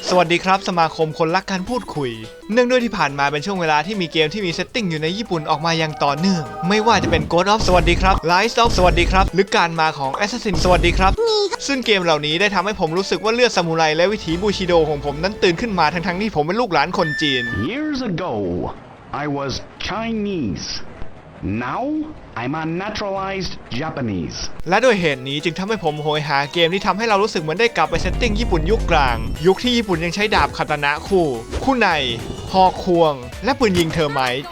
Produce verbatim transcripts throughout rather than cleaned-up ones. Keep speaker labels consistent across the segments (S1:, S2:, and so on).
S1: สวัสดีครับสมาคมคนรักการพูดคุยเนื่องด้วยที่ผ่านมาเป็นช่วงเวลาที่มีเกมที่มีเซตติ้งอยู่ในญี่ปุ่นออกมาอย่างต่อเนื่องไม่ว่าจะเป็น Ghost of สวัสดีครับ Rise of สวัสดีครับหรือการมาของ Assassin สวัสดีครับซึ่งเกมเหล่านี้ได้ทำให้ผมรู้สึกว่าเลือดซามูไรและวิถีบูชิโดของผมนั้นตื่นขึ้นมาทั้งๆที่ผมเป็นลูกหลานคนจีน
S2: Years ago, I was Chinese. Now, I'm a naturalized Japanese.
S1: และด้วยเหตุนี้จึงทำให้ผมโหยหาเกมที่ทำให้เรารู้สึกเหมือนได้กลับไปเซตติ้งญี่ปุ่นยุคกลางยุคที่ญี่ปุ่นยังใช้ดาบคาตานะคู่คู่ในหอกควงและปืนยิงเทอร์ไมต์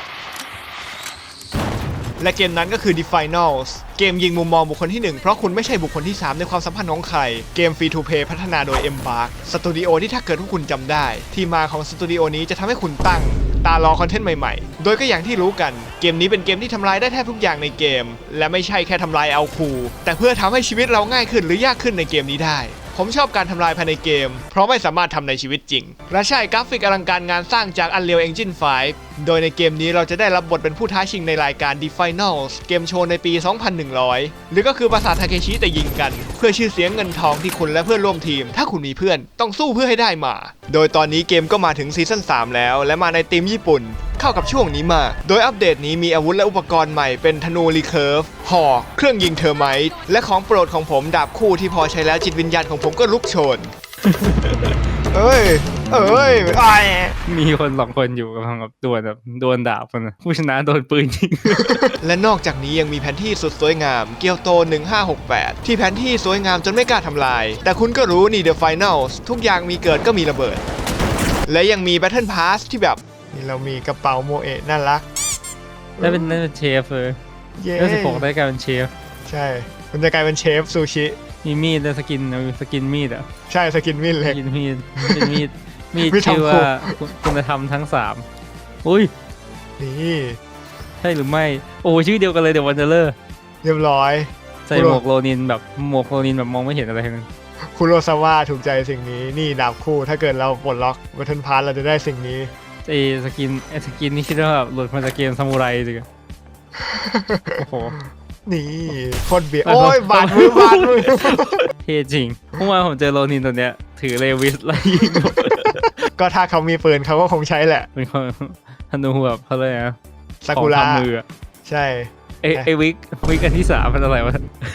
S1: และเกมนั้นก็คือ The Finals เกมยิงมุมมองบุคคลที่หนึ่งเพราะคุณไม่ใช่บุคคลที่สามในความสัมพันธ์ของใครเกมฟรีทูเพย์พัฒนาโดย Embark สตูดิโอที่ถ้าเกิดพวกคุณจำได้ที่มาของสตูดิโอนี้จะทำให้คุณตั้งตารอคอนเทนต์ใหม่ๆโดยก็อย่างที่รู้กันเกมนี้เป็นเกมที่ทำลายได้แทบทุกอย่างในเกมและไม่ใช่แค่ทำลายเอาคูแต่เพื่อทำให้ชีวิตเราง่ายขึ้นหรือยากขึ้นในเกมนี้ได้ผมชอบการทำลายภายในเกมเพราะไม่สามารถทำในชีวิตจริงและใช่กราฟิกอลังการงานสร้างจาก Unreal Engine ไฟว์ โดยในเกมนี้เราจะได้รับบทเป็นผู้ท้าชิงในรายการ The Finals เกมโชว์ในปี สองพันหนึ่งร้อย หรือก็คือปราสาททาเคชิแต่ยิงกันเพื่อชื่อเสียงเงินทองที่คุณและเพื่อนร่วมทีมถ้าคุณมีเพื่อนต้องสู้เพื่อให้ได้มาโดยตอนนี้เกมก็มาถึงซีซั่นสามแล้วและมาในธีมญี่ปุ่นเข้ากับช่วงนี้มาโดยอัปเดตนี้มีอาวุธและอุปกรณ์ใหม่เป็นธนูรีเคิร์ฟหอกเครื่องยิงเทอร์ไมต์และของโปรดของผมดาบคู่ที่พอใช้แล้วจิตวิญญาณของผมก็ลุกโชน เอ้ยเอ้ยไอ
S3: มีคนสองคนอยู่กำลังแบบดวลแบบดวลดาบกันนะผู้ชนะโดนปืนยิง
S1: และนอกจากนี้ยังมีแผนที่สุดสวยงามเกียวโตหนึ่งห้าหกแปดที่แผนที่สวยงามจนไม่กล้าทำลายแต่คุณก็รู้นี่ The Finals ทุกอย่างมีเกิดก็มีระเบิดและยังมี Battle Pass ที่แบบนี่เรามีกระเป๋าโมเอะน่ารัก
S3: ได้เป็นได้เป็นเชฟเลยได้สิบหกได้กลายเป็นเชฟ
S1: ใช่คุณจะกลายเป็นเชฟซูชิ
S3: มีมีดได้สกินสกินมีดอ่ะ
S1: ใช่สกินมีดเล็ก
S3: สกินมีดเป็นมีดมีดชื่อว่าคุณธรรมทั้งสามอุ้ย
S1: นี่
S3: ใช่หรือไม่โอ้ชื่อเดียวกันเลยเดี๋ยววันเดอร์
S1: เรียบร้อย
S3: ใส่หมวกโรนินแบบหมวกโรนินแบบมองไม่เห็นอะไรเลย
S1: คุโรซาวะถูกใจสิ่งนี้นี่ดาบคู่ถ้าเกิดเราปลดล็อกบัตเทิลพาสเราจะได้สิ่งนี้
S3: ไอ้สกินไอ้สกินนี่คิดว่าแบบหลุดมาจากเกมซามูไรจริงโอ้โห
S1: นี่คนเบียโอ้ยบาดมือบาดมือ
S3: เท่จริงเมื่อวานผมเจอโรนินตัวเนี้ยถือเลวิสไล่ยิง
S1: ก็ถ้าเขามีปืนเขาก็คงใช้แหละ
S3: เป็นคนธนูแบบเขาเลยนะ
S1: ซากุระ
S3: มือ
S1: ใช่
S3: ไอไอวิกวิกอันที่สามเป็นอะไรวะ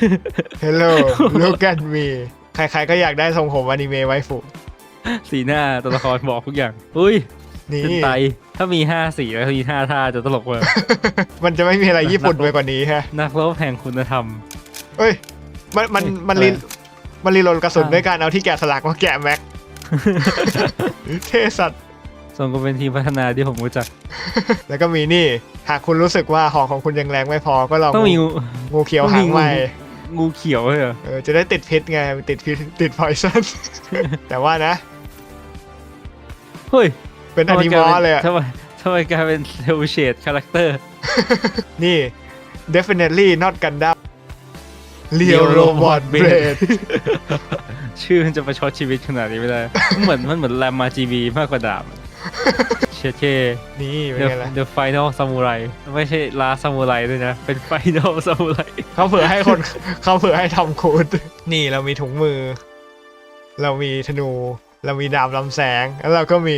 S1: Hello look at me ใครๆก็อยากได้ทรงผมอนิเมะไวฟุ
S3: สีหน้าตัวละครบอกทุกอย่างอุ้ย
S1: นี่
S3: เป็นไตถ้ามีห้าสีแล้วมีห้าท่าจะตลกเลย
S1: มันจะไม่มีอะไรญี่ปุ่นไปกว่านี้ฮะ
S3: นักรบแห่งคุณธรรม
S1: เอ้ยมันมันมันรีมันรีโหลดกระสุนด้วยการเอาที่แกะสลักมาแกะแม็กเท่สัตว์
S3: ส่งก็เป็นทีมพัฒนาที่ผมรู้จัก
S1: แล้วก็มีนี่หากคุณรู้สึกว่าหอกของคุณยังแรงไม่พอก็ลอง
S3: ต้องมี
S1: งูเขียวหางใหม่
S3: งูเขียวเหรอ
S1: เออจะได้ติดพิษไงติดพิษติดพอยซันแต่ว่านะ
S3: เฮ้ย
S1: เป็นอนิมอลเลยอะ
S3: ทำไมทำไมกลายเป็นเซลเชดคาแรคเตอร์
S1: นี่ definitely not Gundam Real Robot Blade
S3: ชื่อมันจะประชดชีวิตขนาดนี้ไม่ได้เหมือนมันเหมือนแรมมาจีบีมากกว่าดาบเชเช่
S1: นี่เป็นไงล่ะ
S3: The Final Samurai ไม่ใช่ Last Samurai ด้วยนะเป็น Final Samurai
S1: เขาเผื่อให้คนเขาเผื่อให้ทำคูดนี่เรามีถุงมือเรามีธนูเรามีดาบลำแสงแล้วเราก็มี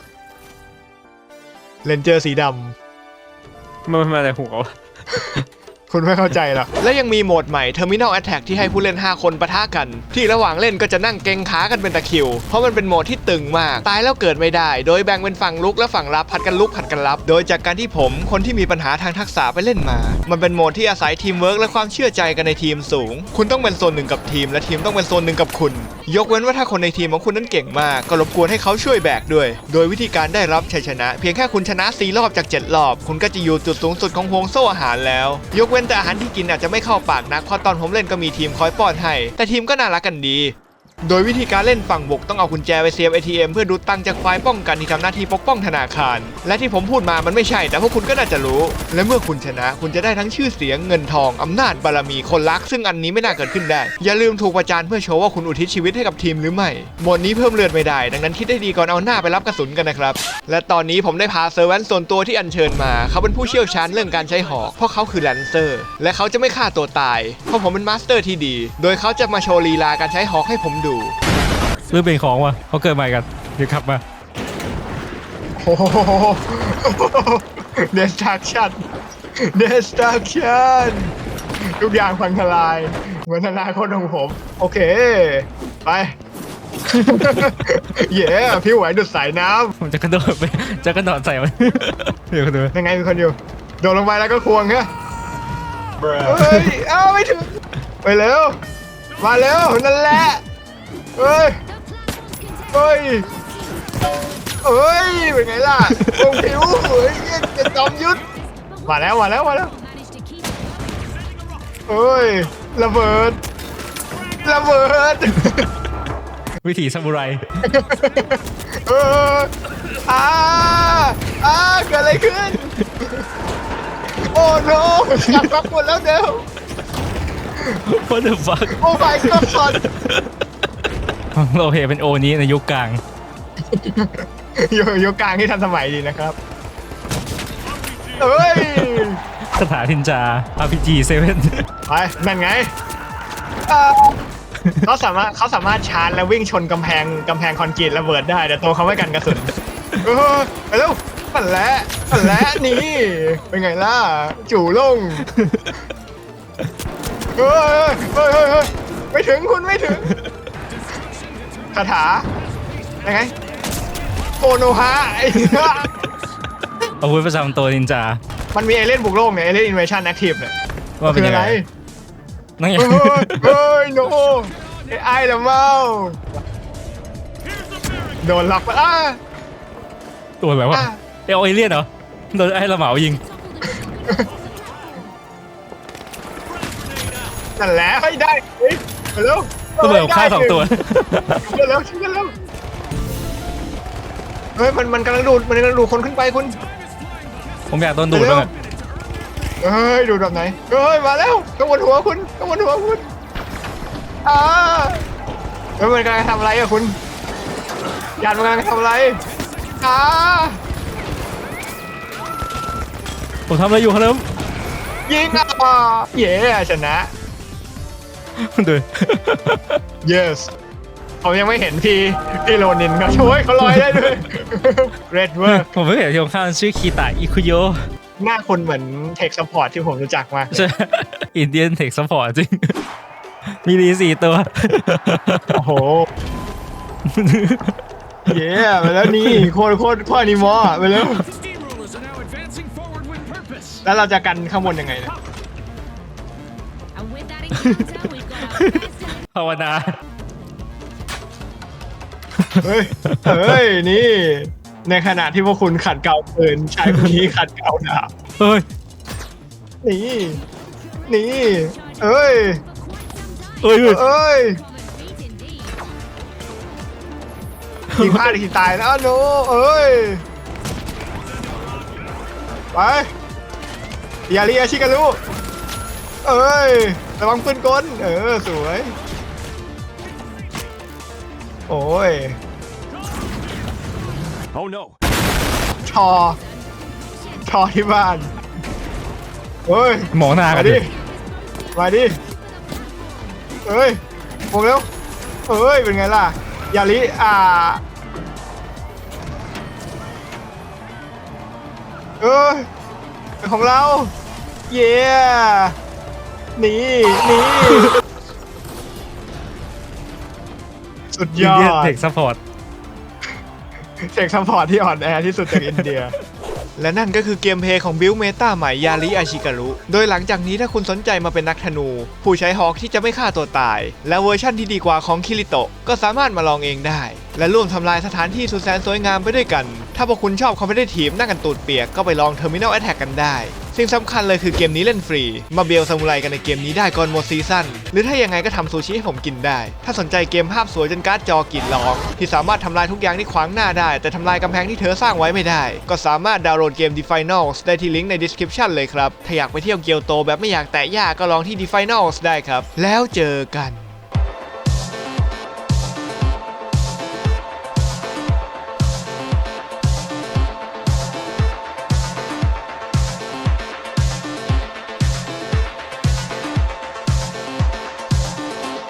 S1: เลนเจอร์สีด
S3: ำมันมาแต่หัว
S1: คุณไม่เข้าใจหรอกและยังมีโหมดใหม่ Terminal Attack ที่ให้ผู้เล่นห้าคนปะทะกันที่ระหว่างเล่นก็จะนั่งเก่งขากันเป็นตะคริวเพราะมันเป็นโหมดที่ตึงมากตายแล้วเกิดไม่ได้โดยแบ่งเป็นฝั่งลุกและฝั่งรับผัดกันลุกผัดกันรับโดยจากการที่ผมคนที่มีปัญหาทางทักษะไปเล่นมามันเป็นโหมดที่อาศัยทีมเวิร์กและความเชื่อใจกันในทีมสูงคุณต้องเป็นโซนหนึ่งกับทีมและทีมต้องเป็นโซนหนึ่งกับคุณยกเว้นว่าถ้าคนในทีมของคุณนั้นเก่งมากก็รบกวนให้เขาช่วยแบกด้วยโดยวิธีการได้รับชัยชนะเพียงแค่คุณชนะสี่รอบจากเจ็ดรอบคุณก็จะอยู่จุดสูงสุดของห่วงโซ่อาหารแล้วยกเว้นแต่อาหารที่กินอาจจะไม่เข้าปากนักเพราะตอนผมเล่นก็มีทีมคอยป้อนให้แต่ทีมก็น่ารักกันดีโดยวิธีการเล่นฝั่งบุกต้องเอากุญแจไปเสียบ เอ ที เอ็ม เพื่อดูดตังค์จากฝ่ายป้องกันที่ทำหน้าที่ปกป้องธนาคารและที่ผมพูดมามันไม่ใช่แต่พวกคุณก็น่าจะรู้และเมื่อคุณชนะคุณจะได้ทั้งชื่อเสียงเงินทองอำนาจบารมีคนรักซึ่งอันนี้ไม่น่าเกิดขึ้นได้อย่าลืมถูกประจานเพื่อโชว์ว่าคุณอุทิศชีวิตให้กับทีมหรือไม่โหมดนี้เพิ่มเลือดไม่ได้ดังนั้นคิดได้ดีก่อนเอาหน้าไปรับกระสุนกันนะครับและตอนนี้ผมได้พาเซอร์แวนส่วนตัวที่อัญเชิญมาเขาเป็นผู้เชี่ยวชาญเรื่องการใช้หอกเพราะเขาคือแลนเซอร์และเขาจะไม่ฆ่าตัวตายเพราะผมเป็นมาสเตอร์ที่ดีโดยเขาจะมาโชว์ลีลาการใช้หอกให้ผมดู
S3: หรือเป็นของวะเขาเกิดใหม่กันเดี๋ยวขับมา
S1: โอ้โห destruction destruction ทุกอย่างพังทลายเหมือนอนาคตของผม โอเค ไป เย้พี่ไหวดุดสายน้
S3: ผมจะกระโดดไปจะกระโดดใส่มัน เดี๋ยวกระโดด
S1: ำยังไงมีคนอยู่ โดดลงไปแล้วก็ควงฮะเฮ้ย เอ้าไม่ถึง ไปเร็ว มาเร็ว นั่นแหละ เฮ้ย เฮ้ย เฮ้ย เป็นไงล่ะวงผิวเฮ้ยจะจอมยุทธมาแล้ว มาแล้ว มาแล้ว เฮ้ย ระเบิด ระเบิด
S3: วิถีซามูไร
S1: เอออ่าอ่าเกิดอะไรขึ้น โอ้โนขัดพักหมดแล้วเดี๋ยว
S3: What the fuck
S1: โอ้ my god
S3: โลเพเป็นโอนี้ในยุคกลาง
S1: อยู่อยู่กลางที่ทันสมัยดีนะครับเอ้ย
S3: คาถาทินจา อาร์ พี จี เซเว่น
S1: ไปนั่นไงอ่าเขาสามารถเขาสามารถชาร์จแล้ววิ่งชนกำแพงกำแพงคอนกรีตระเบิดได้แต่ตัวเขาไม่กันกระสุนเออไปเร็วปั่นแล้วปั่นแล้วนี่เป็นไงล่ะจู่ลงเฮ้ยเฮ้ยเฮ้ยเฮ้ยไม่ถึงคุณไม่ถึงคาถายังไงโอโนฮะไอ้
S3: อาวุธประจำตัวนินจา
S1: มันมีเอเลี่ยนบุกโลกเนี่ยเอเลี่ยนอินเวชั่นแอคทีฟเนี่ย
S3: ว่าเป็น
S1: คือ
S3: ยัง
S1: อะไร
S3: ไงนั่นไง
S1: เฮ้ยเฮ้ยโนไอ้ไอ้ละเมาโดนล็อกไปอ่ะ
S3: ตัวอะไรวะ
S1: อ่ะ
S3: เอลเอเลียนเหรอโดนไอ้ละเหมายิง
S1: นั่นแหละให้ได้เฮ้ยไปเร็ว
S3: ระเบิดฆ่าสองตัว
S1: ช่วยกันเร็วช่วยกันเร็วเฮ้ยมันมันกำลังดูดมันกำลังดูดคนขึ้นไปคุณ
S3: ผมอยากโดนดูดบ้างอะ
S1: เฮ้ยดูดแบบไหนเฮ้ยมาแล้วข้างบนหัวคุณข้างบนหัวคุณอ่าเฮ้ยมันกำลังทำอะไรอะคุณยานมันกำลังทำอะไรอ่า
S3: ผมทำอะไรอยู่ครับ
S1: ยิงอ่ะเย้ชนะ
S3: ดู
S1: yes ผมยังไม่เห็นพี่พี่โรนินเขาช่วยเขาลอยได้ด้วย red work
S3: ผมเพิ่งเห็นที่ข้างชื่อคีตาอิคุโย
S1: หน้าคนเหมือนเทคซัพพอร์ตที่ผมรู้จักมาก
S3: ใช่อินเดียนเทคซัพพอร์ตจริง มีดีสี่ตัว
S1: โอ้โห เย้ไปแล้วนี่โคตรโคตรโคตรอนิมอลไปแล้วแล้วเราจะกันข้างบนยังไงเนี่ย
S4: And with that encounter, we've got our first
S3: ภาวนา
S1: เฮ้ยเฮ้ยนี่ในขณะที่พวกคุณขัดเกลาปืนชายคนนี้ขัดเกลาดาบ
S3: เฮ้ย
S1: นี่นี่เอ้ย
S3: เอ้ยเอ้ย
S1: เอ้ย
S4: feet indeed.
S1: ยิงพลาดอีกทีตายแล้วโนเอ้ยไปอย่าเรียชิกันลูกเอ้ยระวังปืนกลเออสวยโอ้ย
S2: Oh no.
S1: ชอชอที่บ้านเฮ้ย
S3: หมอหน้ากั
S1: มาน
S3: ดิ
S1: ดิมาดิเอ้ยโมงเร็วเอ้ยเป็นไงล่ะยาลิอ่าเอ้ยเป็นของเราเย้นี่นี่สุดย
S3: อิน
S1: อ
S3: เดียน
S1: ด
S3: เทคซัพพอร์ต
S1: เซ็กซัพพอร์ตที่อ่อนแอที่สุดจากอินเดีย และนั่นก็คือเกมเพลย์ของบิลเมตาใหม่ยาริอาชิการุโดยหลังจากนี้ถ้าคุณสนใจมาเป็นนักธนู ผู้ใช้ฮอกที่จะไม่ฆ่าตัวตาย และเวอร์ชั่นที่ดีกว่าของคิริโตะก็สามารถมาลองเองได้ และร่วมทำลายสถานที่สุดแสนสวยงามไปด้วยกัน ถ้าพวกคุณชอบคอมเพลตทีฟนั่งกันตูดเปียกก็ไปลอง Terminal Attack กันได้ สิ่งสำคัญเลยคือเกมนี้เล่นฟรี มาเบลซามูไรกันในเกมนี้ได้ก่อนหมดซีซั่นหรือถ้ายังไงก็ทำซูชิให้ผมกินได้ ถ้าสนใจเกมภาพสวยจนการ์ดจอกรีดร้องที่สามารถทำลายทุกอย่างที่ขวางหน้าได้ แต่ทำลายกำแพงที่เธอสร้างไว้ไม่ได้ ก็สามารถดาวน์โหลดเกม The Finals ได้ที่ลิงก์ใน description เลยครับถ้าอยากไปเที่ยวเกียวโตแบบไม่อยากแตะยากก็ลองที่ The Finals ได้ครับแล้วเจอกัน